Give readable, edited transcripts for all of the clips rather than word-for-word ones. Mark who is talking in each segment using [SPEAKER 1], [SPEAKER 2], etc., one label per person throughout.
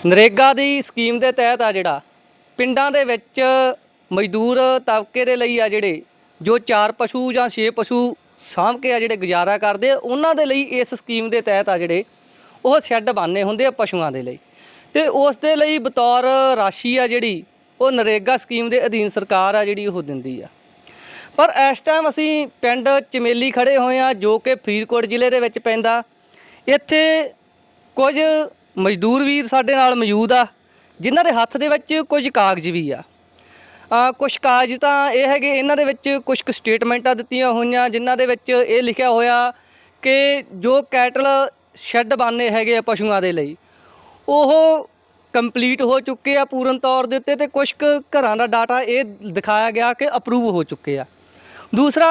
[SPEAKER 1] ਨਰੇਗਾ ਦੀ scheme ਦੇ ਤਹਿਤ ਆ ਜਿਹੜਾ ਪਿੰਡਾਂ ਦੇ ਵਿੱਚ ਮਜ਼ਦੂਰ ਤਬਕੇ ਦੇ ਲਈ ਆ ਜਿਹੜੇ ਜੋ 4 ਪਸ਼ੂ ਜਾਂ 6 ਪਸ਼ੂ ਸਾਂਭ ਕੇ ਆ ਜਿਹੜੇ ਗੁਜ਼ਾਰਾ ਕਰਦੇ ਆ, ਉਹਨਾਂ ਦੇ ਲਈ ਇਸ ਸਕੀਮ ਦੇ ਤਹਿਤ ਆ ਜਿਹੜੇ ਉਹ ਸ਼ੈੱਡ ਬਣਨੇ ਹੁੰਦੇ ਆ ਪਸ਼ੂਆਂ ਦੇ ਲਈ। ਤੇ ਉਸ ਦੇ ਲਈ ਬਤੌਰ ਰਾਸ਼ੀ ਆ ਜਿਹੜੀ ਉਹ ਨਰੇਗਾ ਸਕੀਮ ਦੇ ਅਧੀਨ ਸਰਕਾਰ ਆ ਜਿਹੜੀ ਉਹ ਦਿੰਦੀ ਆ। ਪਰ ਇਸ ਟਾਈਮ ਅਸੀਂ ਪਿੰਡ ਚਮੇਲੀ ਖੜੇ ਹੋਏ ਆ ਜੋ ਕਿ ਫਰੀਦਕੋਟ ਜ਼ਿਲ੍ਹੇ ਦੇ ਵਿੱਚ ਪੈਂਦਾ। ਇੱਥੇ ਕੁਝ ਮਜ਼ਦੂਰ ਵੀਰ ਸਾਡੇ ਨਾਲ ਮੌਜੂਦ ਆ ਜਿਨ੍ਹਾਂ ਦੇ ਹੱਥ ਦੇ ਵਿੱਚ ਕੁਝ ਕਾਗਜ਼ ਵੀ ਆ। ਕੁਝ ਕਾਗਜ਼ ਤਾਂ ਇਹ ਹੈਗੇ, ਇਹਨਾਂ ਦੇ ਵਿੱਚ ਕੁਝ ਕੁ ਸਟੇਟਮੈਂਟਾਂ ਦਿੱਤੀਆਂ ਹੋਈਆਂ ਜਿਨ੍ਹਾਂ ਦੇ ਵਿੱਚ ਇਹ ਲਿਖਿਆ ਹੋਇਆ ਕਿ ਜੋ ਕੈਟਲ ਸ਼ੈੱਡ ਬਣਨੇ ਹੈਗੇ ਆ ਪਸ਼ੂਆਂ ਦੇ ਲਈ ਉਹ ਕੰਪਲੀਟ ਹੋ ਚੁੱਕੇ ਆ ਪੂਰਨ ਤੌਰ ਦੇ ਉੱਤੇ, ਤੇ ਕੁਝ ਕੁ ਘਰਾਂ ਦਾ ਡਾਟਾ ਇਹ ਦਿਖਾਇਆ ਗਿਆ ਕਿ ਅਪਰੂਵ ਹੋ ਚੁੱਕੇ ਆ। ਦੂਸਰਾ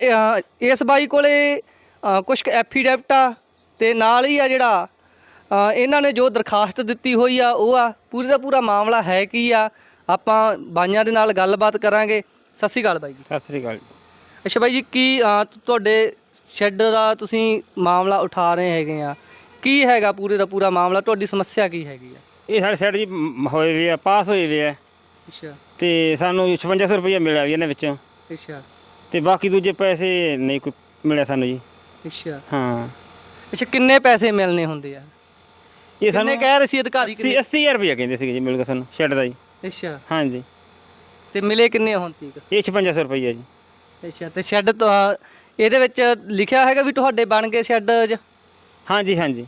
[SPEAKER 1] ਇਸ ਬਾਈ ਕੋਲੇ ਕੁਝ ਕੁ ਐਫੀਡੈਵਿਟ ਆ ਤੇ ਨਾਲ ਹੀ ਆ ਜਿਹੜਾ ਇਹਨਾਂ ਨੇ ਜੋ ਦਰਖਾਸਤ ਦਿੱਤੀ ਹੋਈ ਆ ਉਹ ਆ। ਪੂਰੀ ਦਾ ਪੂਰਾ ਮਾਮਲਾ ਹੈ ਕੀ ਆ, ਆਪਾਂ ਬਾਈਆਂ ਦੇ ਨਾਲ ਗੱਲਬਾਤ ਕਰਾਂਗੇ। ਸਤਿ ਸ਼੍ਰੀ ਅਕਾਲ ਬਾਈ ਜੀ।
[SPEAKER 2] ਸਤਿ ਸ੍ਰੀ ਅਕਾਲ।
[SPEAKER 1] ਅੱਛਾ ਬਾਈ ਜੀ, ਕੀ ਤੁਹਾਡੇ ਸ਼ੈੱਡ ਦਾ ਤੁਸੀਂ ਮਾਮਲਾ ਉਠਾ ਰਹੇ ਹੈਗੇ ਆ, ਕੀ ਹੈਗਾ ਪੂਰੇ ਦਾ ਪੂਰਾ ਮਾਮਲਾ, ਤੁਹਾਡੀ ਸਮੱਸਿਆ ਕੀ ਹੈਗੀ ਆ?
[SPEAKER 2] ਇਹ ਸਾਡੇ ਸਾਈਡ ਜੀ ਹੋਏ ਵੇ ਆ, ਪਾਸ ਹੋਏ ਵੇ ਆ।
[SPEAKER 1] ਅੱਛਾ।
[SPEAKER 2] ਤੇ ਸਾਨੂੰ 5600 ਰੁਪਈਆ ਮਿਲਿਆ ਵੀ ਇਹਨਾਂ ਵਿੱਚੋਂ।
[SPEAKER 1] ਅੱਛਾ।
[SPEAKER 2] ਤੇ ਬਾਕੀ ਦੂਜੇ ਪੈਸੇ ਨਹੀਂ ਕੋਈ ਮਿਲਿਆ ਸਾਨੂੰ ਜੀ।
[SPEAKER 1] ਅੱਛਾ।
[SPEAKER 2] ਹਾਂ।
[SPEAKER 1] ਅੱਛਾ, ਕਿੰਨੇ ਪੈਸੇ ਮਿਲਨੇ ਹੁੰਦੇ ਆ?
[SPEAKER 2] ਇਹ ਸਾਨੂੰ
[SPEAKER 1] ਕਹਿ ਰਹੇ ਸੀ ਅਧਿਕਾਰੀ?
[SPEAKER 2] 80000 ਰੁਪਈਆ ਕਹਿੰਦੇ ਸੀਗੇ ਜੀ ਮਿਲ ਗਿਆ ਸਾਨੂੰ ਸ਼ੈੱਡ ਦਾ ਜੀ।
[SPEAKER 1] ਅੱਛਾ।
[SPEAKER 2] ਹਾਂਜੀ।
[SPEAKER 1] ਤੇ ਮਿਲੇ ਕਿੰਨੇ ਹੁਣ ਤੀਕ?
[SPEAKER 2] ਇਹ 5600 ਰੁਪਈਆ ਜੀ।
[SPEAKER 1] ਅੱਛਾ। ਤੇ ਸ਼ੈੱਡ ਇਹਦੇ ਵਿੱਚ ਲਿਖਿਆ ਹੈਗਾ ਵੀ ਤੁਹਾਡੇ ਬਣ ਗਏ ਸ਼ੈੱਡ?
[SPEAKER 2] ਹਾਂਜੀ ਹਾਂਜੀ।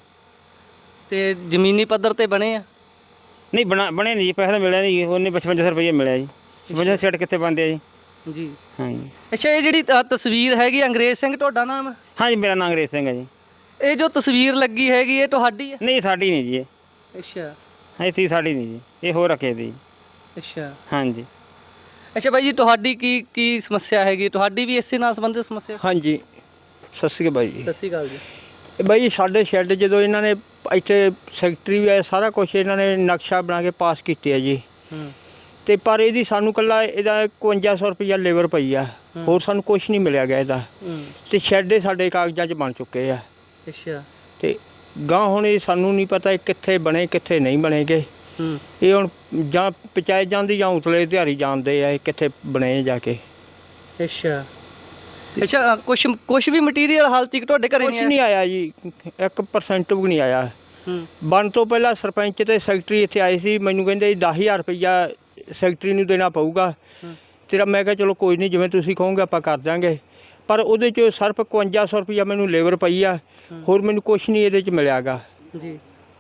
[SPEAKER 1] ਤੇ ਜ਼ਮੀਨੀ ਪੱਧਰ ਤੇ ਬਣੇ ਆ?
[SPEAKER 2] ਨਹੀਂ ਬਣੇ ਨਹੀਂ ਜੀ, ਪੈਸਾ ਤਾਂ ਮਿਲਿਆ ਨਹੀਂ। ਉਹਨੇ 5500 ਰੁਪਈਆ ਮਿਲਿਆ ਜੀ। 5600 ਸ਼ੈੱਡ ਕਿੱਥੇ ਬਣਦੇ ਆ ਜੀ?
[SPEAKER 1] ਜੀ।
[SPEAKER 2] ਹਾਂਜੀ।
[SPEAKER 1] ਅੱਛਾ, ਇਹ ਜਿਹੜੀ ਤਸਵੀਰ ਹੈਗੀ ਅੰਗਰੇਜ਼ ਸਿੰਘ ਤੁਹਾਡਾ ਨਾਮ?
[SPEAKER 2] ਹਾਂਜੀ, ਮੇਰਾ ਨਾਮ ਅੰਗਰੇਜ਼ ਸਿੰਘ ਹੈ ਜੀ।
[SPEAKER 1] ਇਹ ਜੋ ਤਸਵੀਰ ਲੱਗੀ ਹੈਗੀ ਇਹ ਤੁਹਾਡੀ ਹੈ?
[SPEAKER 2] ਨਹੀਂ, ਸਾਡੀ ਨਹੀਂ ਜੀ ਇਹ।
[SPEAKER 1] ਅੱਛਾ।
[SPEAKER 2] ਇਹ ਚੀਜ਼ ਸਾਡੀ ਨਹੀਂ ਜੀ, ਇਹ ਹੋਰ ਰੱਖੇ ਦੀ।
[SPEAKER 1] ਅੱਛਾ।
[SPEAKER 2] ਹਾਂਜੀ।
[SPEAKER 1] ਅੱਛਾ ਬਾਈ ਜੀ, ਤੁਹਾਡੀ ਕੀ ਸਮੱਸਿਆ ਹੈਗੀ? ਤੁਹਾਡੀ ਵੀ ਇਸੇ ਨਾਲ ਸੰਬੰਧਿਤ ਸਮੱਸਿਆ?
[SPEAKER 3] ਹਾਂਜੀ, ਸਤਿ ਸ਼੍ਰੀ ਅਕਾਲ ਬਾਈ ਜੀ।
[SPEAKER 1] ਸਤਿ ਸ਼੍ਰੀ ਅਕਾਲ ਜੀ।
[SPEAKER 3] ਇਹ ਬਾਈ ਜੀ ਸਾਡੇ ਸ਼ੈੱਡ ਜਦੋਂ ਇਹਨਾਂ ਨੇ ਇੱਥੇ ਸੈਕਟਰੀ ਵੀ ਆਇਆ, ਸਾਰਾ ਕੁਝ ਇਹਨਾਂ ਨੇ ਨਕਸ਼ਾ ਬਣਾ ਕੇ ਪਾਸ ਕੀਤੇ ਆ ਜੀ। ਤੇ ਪਰ ਇਹਦੀ ਸਾਨੂੰ ਇਕੱਲਾ ਇਹਦਾ 5100 ਰੁਪਈਆ ਲੇਬਰ ਪਈ ਆ, ਹੋਰ ਸਾਨੂੰ ਕੁਝ ਨਹੀਂ ਮਿਲਿਆ ਗਿਆ ਇਹਦਾ। ਤੇ ਸ਼ੈੱਡ ਸਾਡੇ ਕਾਗਜ਼ਾਂ 'ਚ ਬਣ ਚੁੱਕੇ ਆ।
[SPEAKER 1] ਅੱਛਾ।
[SPEAKER 3] ਤੇ ਗਾਂ ਹੁਣ ਇਹ ਸਾਨੂੰ ਨਹੀਂ ਪਤਾ ਇਹ ਕਿੱਥੇ ਬਣੇ ਕਿੱਥੇ ਨਹੀਂ ਬਣੇਗੇ। ਇਹ ਹੁਣ ਜਾਂ ਪੰਚਾਇਤ ਜਾਂਦੀ ਜਾਂ ਉਤਲੇ ਦਿਹਾੜੀ ਜਾਂਦੇ ਆ ਇਹ ਕਿੱਥੇ ਬਣੇ ਜਾ ਕੇ।
[SPEAKER 1] ਅੱਛਾ। ਅੱਛਾ, ਕੁਛ ਵੀ ਮਟੀਰੀਅਲ ਹਾਲ ਤੱਕ ਤੁਹਾਡੇ ਘਰੇ
[SPEAKER 3] ਨਹੀਂ ਆਇਆ ਜੀ, 1% ਵੀ ਨਹੀਂ ਆਇਆ। ਬਣ ਤੋਂ ਪਹਿਲਾਂ ਸਰਪੰਚ ਤੇ ਸੈਕਟਰੀ ਇੱਥੇ ਆਏ ਸੀ, ਮੈਨੂੰ ਕਹਿੰਦੇ 10000 ਰੁਪਈਆ ਸੈਕਟਰੀ ਨੂੰ ਦੇਣਾ ਪਊਗਾ ਤੇਰਾ। ਮੈਂ ਕਿਹਾ ਚਲੋ ਕੋਈ ਨਹੀਂ, ਜਿਵੇਂ ਤੁਸੀਂ ਕਹੋਗੇ ਆਪਾਂ ਕਰ ਦਾਂਗੇ। ਪਰ ਉਹਦੇ 'ਚ ਸਿਰਫ 5100 ਰੁਪਈਆ ਮੈਨੂੰ ਲੇਬਰ ਪਈ ਆ, ਹੋਰ ਮੈਨੂੰ ਕੁਛ ਨਹੀਂ ਇਹਦੇ 'ਚ ਮਿਲਿਆਗਾ
[SPEAKER 1] ਜੀ।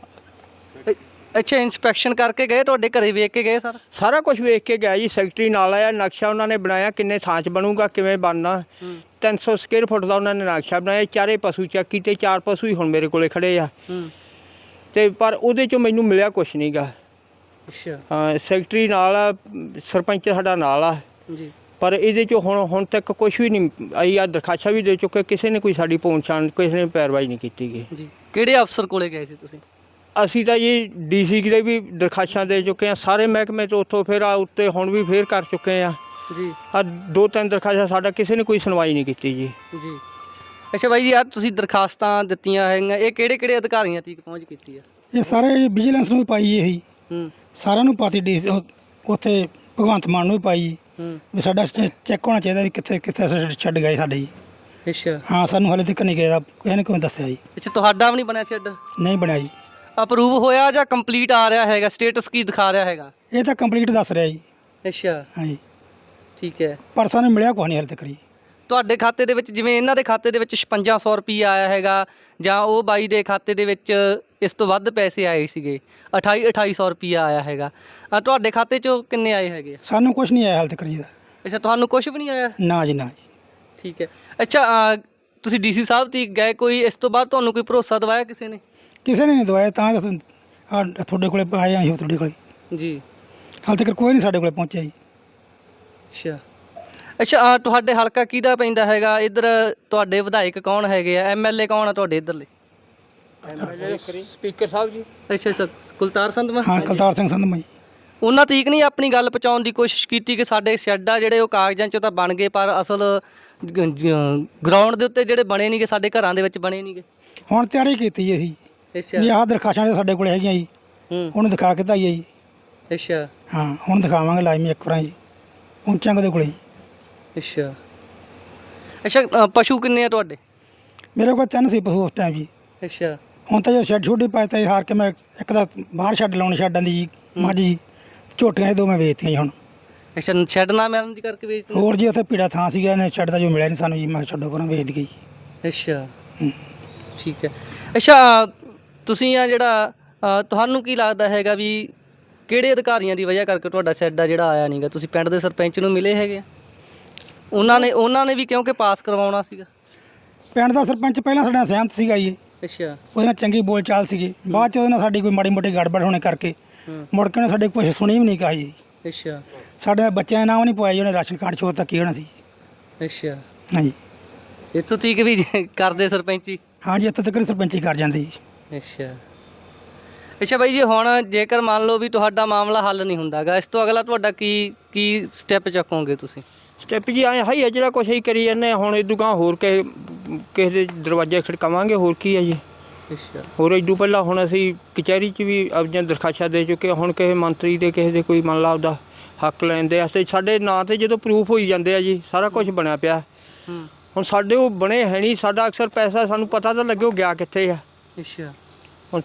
[SPEAKER 1] ਅੱਛਾ, ਇੰਸਪੈਕਸ਼ਨ ਕਰਕੇ ਗਏ ਤੁਹਾਡੇ ਘਰੇ, ਵੇਖ ਕੇ ਗਏ?
[SPEAKER 3] ਸਾਰਾ ਕੁਝ ਵੇਖ ਕੇ ਗਿਆ ਜੀ। ਸੈਕਟਰੀ ਨਾਲ ਆਇਆ, ਨਕਸ਼ਾ ਉਹਨਾਂ ਨੇ ਬਣਾਇਆ ਕਿੰਨੇ ਥਾਂ 'ਚ ਬਣੂਗਾ, ਕਿਵੇਂ ਬਣਨਾ। 300 ਸਕੁਅਰ ਫੁੱਟ ਦਾ ਉਹਨਾਂ ਨੇ ਨਕਸ਼ਾ ਬਣਾਇਆ। 4 ਪਸ਼ੂ ਚੈੱਕ ਕੀਤੇ, 4 ਪਸ਼ੂ ਹੀ ਹੁਣ ਮੇਰੇ ਕੋਲੇ ਖੜੇ ਆ। ਤੇ ਪਰ ਉਹਦੇ 'ਚੋਂ ਮੈਨੂੰ ਮਿਲਿਆ ਕੁਛ ਨਹੀਂ ਗਾ।
[SPEAKER 1] ਅੱਛਾ।
[SPEAKER 3] ਹਾਂ, ਸੈਕਟਰੀ ਨਾਲ ਆ, ਸਰਪੰਚ ਸਾਡਾ ਨਾਲ ਆ
[SPEAKER 1] ਜੀ।
[SPEAKER 3] ਪਰ ਇਹਦੇ 'ਚੋਂ ਹੁਣ ਤੱਕ ਕੁਛ ਵੀ ਨਹੀਂ ਆਈ। ਆ ਦਰਖਾਸਤਾਂ ਵੀ ਦੇ ਚੁੱਕੇ, ਕਿਸੇ ਨੇ ਕੋਈ ਸਾਡੀ ਪਹੁੰਚਾਣ, ਕਿਸੇ ਨੇ ਪੈਰਵਾਈ ਨਹੀਂ ਕੀਤੀ ਗਈ ਜੀ।
[SPEAKER 1] ਕਿਹੜੇ ਅਫਸਰ ਕੋਲੇ ਗਏ ਸੀ ਤੁਸੀਂ?
[SPEAKER 3] ਅਸੀਂ ਤਾਂ ਜੀ DC ਦੇ ਵੀ ਦਰਖਾਸਤਾਂ ਦੇ ਚੁੱਕੇ ਆ, ਸਾਰੇ ਮਹਿਕਮੇ 'ਚ ਉੱਥੋਂ ਫਿਰ ਆ ਉੱਤੇ ਹੁਣ ਵੀ ਫੇਰ ਕਰ ਚੁੱਕੇ ਆ
[SPEAKER 1] ਜੀ।
[SPEAKER 3] ਆ 2-3 ਦਰਖਾਸਤਾਂ, ਸਾਡਾ ਕਿਸੇ ਨੇ ਕੋਈ ਸੁਣਵਾਈ ਨਹੀਂ ਕੀਤੀ ਜੀ।
[SPEAKER 1] ਜੀ। ਅੱਛਾ ਬਾਈ ਜੀ, ਯਾਰ ਤੁਸੀਂ ਦਰਖਾਸਤਾਂ ਦਿੱਤੀਆਂ ਹੈਗੀਆਂ, ਇਹ ਕਿਹੜੇ ਅਧਿਕਾਰੀਆਂ ਤੱਕ ਪਹੁੰਚ ਕੀਤੀ ਆ?
[SPEAKER 4] ਇਹ ਸਾਰੇ ਵਿਜੀਲੈਂਸ ਨੂੰ ਵੀ ਪਾਈ ਇਹੀ, ਸਾਰਿਆਂ ਨੂੰ ਪਾਤੀ। ਉੱਥੇ ਭਗਵੰਤ ਮਾਨ ਨੂੰ ਵੀ ਪਾਈ ਵੀ ਸਾਡਾ ਚੈੱਕ ਹੋਣਾ ਚਾਹੀਦਾ ਵੀ ਕਿੱਥੇ ਛੱਡ ਗਏ ਸਾਡੇ ਜੀ।
[SPEAKER 1] ਅੱਛਾ।
[SPEAKER 4] ਹਾਂ, ਸਾਨੂੰ ਹਾਲੇ ਤੱਕ ਨਹੀਂ ਗਿਆ, ਕਿਸੇ ਨੇ ਕੋਈ ਦੱਸਿਆ ਜੀ।
[SPEAKER 1] ਅੱਛਾ, ਤੁਹਾਡਾ ਵੀ ਨਹੀਂ ਬਣਿਆ ਸ਼ੈੱਡ?
[SPEAKER 4] ਨਹੀਂ ਬਣਿਆ ਜੀ।
[SPEAKER 1] ਅਪਰੂਵ ਹੋਇਆ ਜਾਂ ਕੰਪਲੀਟ ਆ ਰਿਹਾ ਹੈਗਾ? ਸਟੇਟਸ ਕੀ ਦਿਖਾ ਰਿਹਾ ਹੈਗਾ?
[SPEAKER 4] ਇਹ ਤਾਂ ਕੰਪਲੀਟ ਦੱਸ ਰਿਹਾ ਜੀ।
[SPEAKER 1] ਅੱਛਾ।
[SPEAKER 4] ਹਾਂਜੀ,
[SPEAKER 1] ਠੀਕ ਹੈ।
[SPEAKER 4] ਪਰ ਸਾਨੂੰ ਮਿਲਿਆ ਕੋਈ ਨਹੀਂ ਹਾਲੇ ਤੱਕ ਜੀ।
[SPEAKER 1] ਤੁਹਾਡੇ ਖਾਤੇ ਦੇ ਵਿੱਚ, ਜਿਵੇਂ ਇਹਨਾਂ ਦੇ ਖਾਤੇ ਦੇ ਵਿੱਚ 5600 ਰੁਪਈਆ ਆਇਆ ਹੈਗਾ, ਜਾਂ ਉਹ ਬਾਈ ਦੇ ਖਾਤੇ ਦੇ ਵਿੱਚ ਇਸ ਤੋਂ ਵੱਧ ਪੈਸੇ ਆਏ ਸੀਗੇ, 2800 ਰੁਪਈਆ ਆਇਆ ਹੈਗਾ, ਤੁਹਾਡੇ ਖਾਤੇ 'ਚੋਂ ਕਿੰਨੇ ਆਏ ਹੈਗੇ?
[SPEAKER 4] ਸਾਨੂੰ ਕੁਝ ਨਹੀਂ ਆਇਆ ਹਾਲੇ ਤੱਕ ਜੀ।
[SPEAKER 1] ਅੱਛਾ, ਤੁਹਾਨੂੰ ਕੁਝ ਵੀ ਨਹੀਂ ਆਇਆ?
[SPEAKER 4] ਨਾ ਜੀ, ਨਾ ਜੀ।
[SPEAKER 1] ਠੀਕ ਹੈ। ਅੱਛਾ, ਤੁਸੀਂ DC ਸਾਹਿਬ ਤੱਕ ਗਏ, ਕੋਈ ਇਸ ਤੋਂ ਬਾਅਦ ਤੁਹਾਨੂੰ ਕੋਈ ਭਰੋਸਾ ਦਿਵਾਇਆ ਕਿਸੇ ਨੇ?
[SPEAKER 4] ਕਿਸੇ ਨੇ ਨਹੀਂ ਦਵਾਇਆ, ਤਾਂ ਤੁਹਾਡੇ ਕੋਲੇ ਆਏ ਅਸੀਂ ਤੁਹਾਡੇ ਕੋਲੇ
[SPEAKER 1] ਜੀ।
[SPEAKER 4] ਹਾਲੇ ਤੱਕ ਕੋਈ ਨਹੀਂ ਸਾਡੇ ਕੋਲੇ ਪਹੁੰਚਿਆ ਜੀ।
[SPEAKER 1] ਅੱਛਾ। ਅੱਛਾ, ਤੁਹਾਡੇ ਹਲਕਾ ਕਿਹਦਾ ਪੈਂਦਾ ਹੈਗਾ? ਇੱਧਰ ਤੁਹਾਡੇ ਵਿਧਾਇਕ ਕੌਣ ਹੈਗੇ ਆ? MLA ਕੌਣ ਆ ਤੁਹਾਡੇ ਇੱਧਰਲੇ?
[SPEAKER 3] ਸਪੀਕਰ ਸਾਹਿਬ ਜੀ।
[SPEAKER 1] ਅੱਛਾ, ਕੁਲਤਾਰ ਸੰਧਵਾ?
[SPEAKER 4] ਹਾਂ, ਕੁਲਤਾਰ ਸਿੰਘ ਸੰਧਵਾ ਜੀ।
[SPEAKER 1] ਉਹਨਾਂ ਤੀਕ ਨਹੀਂ ਆਪਣੀ ਗੱਲ ਪਹੁੰਚਾਉਣ ਦੀ ਕੋਸ਼ਿਸ਼ ਕੀਤੀ ਕਿ ਸਾਡੇ ਸ਼ੈੱਡ ਆ ਜਿਹੜੇ ਉਹ ਕਾਗਜ਼ਾਂ 'ਚੋਂ ਤਾਂ ਬਣ ਗਏ, ਪਰ ਅਸਲ ਗਰਾਊਂਡ ਦੇ ਉੱਤੇ ਜਿਹੜੇ ਬਣੇ ਨਹੀਂਗੇ, ਸਾਡੇ ਘਰਾਂ ਦੇ ਵਿੱਚ ਬਣੇ ਨਹੀਂਗੇ?
[SPEAKER 4] ਹੁਣ ਤਿਆਰੀ ਕੀਤੀ ਜੀ ਅਸੀਂ।
[SPEAKER 1] ਅੱਛਾ।
[SPEAKER 4] ਵੀ ਆਹ ਦਰਖਾਸਤਾਂ ਸਾਡੇ ਕੋਲ ਹੈਗੀਆਂ ਜੀ, ਉਹਨੂੰ ਦਿਖਾ ਕੇ ਤਾਂ ਆਈਏ ਜੀ।
[SPEAKER 1] ਅੱਛਾ
[SPEAKER 4] ਹਾਂ ਹੁਣ ਦਿਖਾਵਾਂਗੇ ਲਾਜ਼ਮੀ ਇੱਕ ਵਾਰਾਂ ਜੀ, ਪਹੁੰਚਾਂਗੇ ਉਹਦੇ ਕੋਲੇ ਜੀ।
[SPEAKER 1] ਅੱਛਾ ਪਸ਼ੂ ਕਿੰਨੇ ਆ ਤੁਹਾਡੇ?
[SPEAKER 4] ਮੇਰੇ ਕੋਲ 3 ਸੀ ਪਸ਼ੂ ਉਸ ਟਾਈਮ ਜੀ।
[SPEAKER 1] ਅੱਛਾ
[SPEAKER 4] ਹੁਣ ਤਾਂ ਜੇ ਸ਼ੈੱਡ ਛੋਟੀ ਪਾਇਆ ਤਾਂ ਹਾਰ ਕੇ ਮੈਂ ਇੱਕ ਤਾਂ ਬਾਹਰ ਛੱਡ ਲਾਉਣੀ ਛੱਡਾਂ ਦੀ ਜੀ ਮੱਝ ਜੀ, ਝੋਟੀਆਂ ਇਹ ਦੋ ਮੈਂ ਵੇਚਤੀਆਂ ਜੀ ਹੁਣ।
[SPEAKER 1] ਅੱਛਾ ਸ਼ੈੱਡ ਨਾ ਮਿਲਣ ਦੀ ਕਰਕੇ ਵੇਚ ਦਿੰਦੇ?
[SPEAKER 4] ਹੋਰ ਜੀ ਉੱਥੇ ਪੀੜਾ ਥਾਂ ਸੀਗਾ, ਇਹਨੇ ਛੱਡ ਦਾ ਜੋ ਮਿਲਿਆ ਨਹੀਂ ਸਾਨੂੰ ਜੀ, ਮੈਂ ਕਿਹਾ ਛੱਡੋ ਪਰਾਂ ਵੇਚ ਗਈ।
[SPEAKER 1] ਅੱਛਾ ਠੀਕ ਹੈ। ਅੱਛਾ ਤੁਸੀਂ ਆ ਜਿਹੜਾ ਤੁਹਾਨੂੰ ਕੀ ਲੱਗਦਾ ਹੈਗਾ ਵੀ ਕਿਹੜੇ ਅਧਿਕਾਰੀਆਂ ਦੀ ਵਜ੍ਹਾ ਕਰਕੇ ਤੁਹਾਡਾ ਸ਼ੈੱਡ ਆ ਜਿਹੜਾ ਆਇਆ ਨਹੀਂਗਾ? ਤੁਸੀਂ ਪਿੰਡ ਦੇ ਸਰਪੰਚ ਨੂੰ ਮਿਲੇ ਹੈਗੇ ਆ? ਉਹਨਾਂ ਨੇ ਵੀ ਕਿਉਂਕਿ ਪਾਸ ਕਰਵਾਉਣਾ ਸੀਗਾ।
[SPEAKER 4] ਪਿੰਡ ਦਾ ਸਰਪੰਚ ਪਹਿਲਾਂ ਸਾਡੇ ਨਾਲ ਸਹਿਮਤ ਸੀਗਾ ਜੀ,
[SPEAKER 1] ਅੱਛਾ
[SPEAKER 4] ਉਹਦੇ ਨਾਲ ਚੰਗੀ ਬੋਲ ਚਾਲ ਸੀਗੀ। ਬਾਅਦ ਚ ਉਹਦੇ ਨਾਲ ਸਾਡੀ ਕੋਈ ਮਾੜੀ ਮੋਟੀ ਗੜਬੜ ਹੋਣੇ ਕਰਕੇ ਮੁੜ ਕੇ ਉਹਨੇ ਸਾਡੇ ਕੁਛ ਸੁਣੀ ਵੀ ਨਹੀਂ ਕਹੀ ਜੀ।
[SPEAKER 1] ਅੱਛਾ
[SPEAKER 4] ਸਾਡੇ ਬੱਚਿਆਂ ਦੇ ਨਾਮ ਨਹੀਂ ਪਵਾਏ, ਉਹਨੇ ਰਾਸ਼ਨ ਕਾਰਡ ਛੋੜ ਤੱਕ ਕੀ ਹੋਣਾ ਸੀ।
[SPEAKER 1] ਅੱਛਾ
[SPEAKER 4] ਹਾਂਜੀ
[SPEAKER 1] ਇੱਥੋਂ ਤੀਕ ਵੀ ਕਰਦੇ ਸਰਪੰਚੀ?
[SPEAKER 4] ਹਾਂਜੀ ਇੱਥੋਂ ਤੱਕ ਸਰਪੰਚੀ ਕਰ ਜਾਂਦੇ ਜੀ।
[SPEAKER 1] ਅੱਛਾ ਬਾਈ ਜੀ, ਹੁਣ ਜੇਕਰ ਮੰਨ ਲਓ ਵੀ ਤੁਹਾਡਾ ਮਾਮਲਾ ਹੱਲ ਨਹੀਂ ਹੁੰਦਾਗਾ, ਇਸ ਤੋਂ ਅਗਲਾ ਤੁਹਾਡਾ ਕੀ ਸਟੈਪ ਚੱਕੋਗੇ ਤੁਸੀਂ?
[SPEAKER 3] ਸਟੈਪ ਜੀ ਆਏ ਹੈ ਜਿਹੜਾ ਕੁਛ ਹੀ ਕਰੀ ਜਾਂਦੇ ਹਾਂ। ਹੁਣ ਇਦੋਂ ਗਾਂ ਹੋਰ ਕਿਸੇ ਦੇ ਦਰਵਾਜ਼ੇ ਖੜਕਾਵਾਂਗੇ, ਹੋਰ ਕੀ ਹੈ ਜੀ।
[SPEAKER 1] ਅੱਛਾ
[SPEAKER 3] ਹੋਰ ਇਦੋਂ ਪਹਿਲਾਂ ਹੁਣ ਅਸੀਂ ਕਚਹਿਰੀ 'ਚ ਵੀ ਆਪਣੀਆਂ ਦਰਖਾਸਤਾਂ ਦੇ ਚੁੱਕੇ ਹਾਂ। ਹੁਣ ਕਿਸੇ ਮੰਤਰੀ ਦੇ ਕਿਸੇ ਦੇ ਕੋਈ ਮੰਨ ਲਾ ਆਪਦਾ ਹੱਕ ਲੈਣ ਦੇ ਵਾਸਤੇ ਸਾਡੇ ਨਾਂ 'ਤੇ ਜਦੋਂ ਪ੍ਰੂਫ ਹੋਈ ਜਾਂਦੇ ਆ ਜੀ, ਸਾਰਾ ਕੁਝ ਬਣਿਆ ਪਿਆ। ਹੁਣ ਸਾਡੇ ਉਹ ਬਣੇ ਹੈ ਨਹੀਂ, ਸਾਡਾ ਅਕਸਰ ਪੈਸਾ ਸਾਨੂੰ ਪਤਾ ਤਾਂ ਲੱਗੇ ਉਹ ਗਿਆ ਕਿੱਥੇ ਆ।
[SPEAKER 1] ਅੱਛਾ
[SPEAKER 3] ਹੁਣ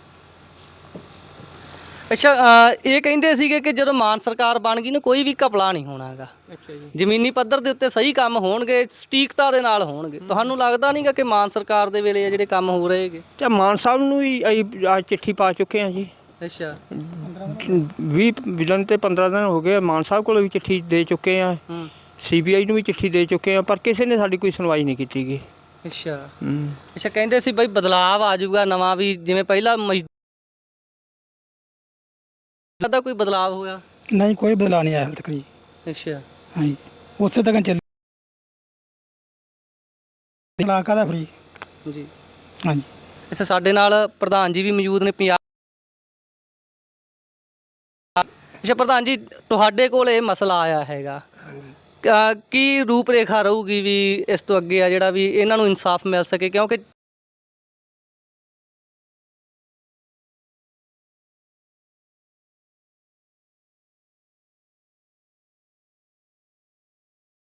[SPEAKER 1] ਅੱਛਾ ਇਹ ਕਹਿੰਦੇ ਸੀਗੇ ਕਿ ਜਦੋਂ ਮਾਨ ਸਰਕਾਰ ਬਣ ਗਈ ਨਾ ਕੋਈ ਵੀ ਘਪਲਾ ਨਹੀਂ ਹੋਣਾ ਹੈਗਾ।
[SPEAKER 3] ਅੱਛਾ ਜੀ।
[SPEAKER 1] ਜ਼ਮੀਨੀ ਪੱਧਰ ਦੇ ਉੱਤੇ ਸਹੀ ਕੰਮ ਹੋਣਗੇ, ਸਟੀਕਤਾ ਦੇ ਨਾਲ ਹੋਣਗੇ। ਤੁਹਾਨੂੰ ਲੱਗਦਾ ਨਹੀਂਗਾ ਕਿ ਮਾਨ ਸਰਕਾਰ ਦੇ ਵੇਲੇ ਆ ਜਿਹੜੇ ਕੰਮ ਹੋ ਰਹੇ ਹੈਗੇ?
[SPEAKER 3] ਤੇ ਮਾਨ ਸਾਹਿਬ ਨੂੰ ਵੀ ਅਸੀਂ ਅੱਜ ਚਿੱਠੀ ਪਾ ਚੁੱਕੇ ਹਾਂ ਜੀ।
[SPEAKER 1] ਅੱਛਾ
[SPEAKER 3] 20 ਦਿਨ ਤੇ 15 ਦਿਨ ਹੋ ਗਏ, ਮਾਨ ਸਾਹਿਬ ਕੋਲ ਵੀ ਚਿੱਠੀ ਦੇ ਚੁੱਕੇ ਹਾਂ, CBI ਨੂੰ ਵੀ ਚਿੱਠੀ ਦੇ ਚੁੱਕੇ ਹਾਂ, ਪਰ ਕਿਸੇ ਨੇ ਸਾਡੀ ਕੋਈ ਸੁਣਵਾਈ ਨਹੀਂ ਕੀਤੀ ਗੀ। ਅੱਛਾ
[SPEAKER 1] ਕਹਿੰਦੇ ਸੀ ਬਈ ਬਦਲਾਵ ਆ ਜਾਊਗਾ ਨਵਾਂ, ਵੀ ਜਿਵੇਂ ਪਹਿਲਾਂ ਦਾ ਕੋਈ ਬਦਲਾਵ ਹੋਇਆ?
[SPEAKER 4] ਨਹੀਂ ਕੋਈ ਬਦਲਾਅ ਨਹੀਂ ਆਇਆ ਹਾਲੇ ਤੱਕ ਜੀ।
[SPEAKER 1] ਅੱਛਾ
[SPEAKER 4] ਹਾਂਜੀ ਉਸੇ ਤੱਕ ਚੱਲ ਇਲਾਕਾ ਦਾ ਫਰੀ।
[SPEAKER 1] ਜੀ
[SPEAKER 4] ਹਾਂਜੀ
[SPEAKER 1] ਅੱਛਾ ਸਾਡੇ ਨਾਲ ਪ੍ਰਧਾਨ ਜੀ ਵੀ ਮੌਜੂਦ ਨੇ ਪੰਜਾਬ। ਅੱਛਾ ਪ੍ਰਧਾਨ ਜੀ, ਤੁਹਾਡੇ ਕੋਲ ਇਹ ਮਸਲਾ ਆਇਆ ਹੈਗਾ, ਕੀ ਰੂਪ ਰੇਖਾ ਰਹੂਗੀ ਵੀ ਇਸ ਤੋਂ ਅੱਗੇ ਆ ਜਿਹੜਾ ਵੀ ਇਹਨਾਂ ਨੂੰ ਇਨਸਾਫ ਮਿਲ ਸਕੇ? ਕਿਉਂਕਿ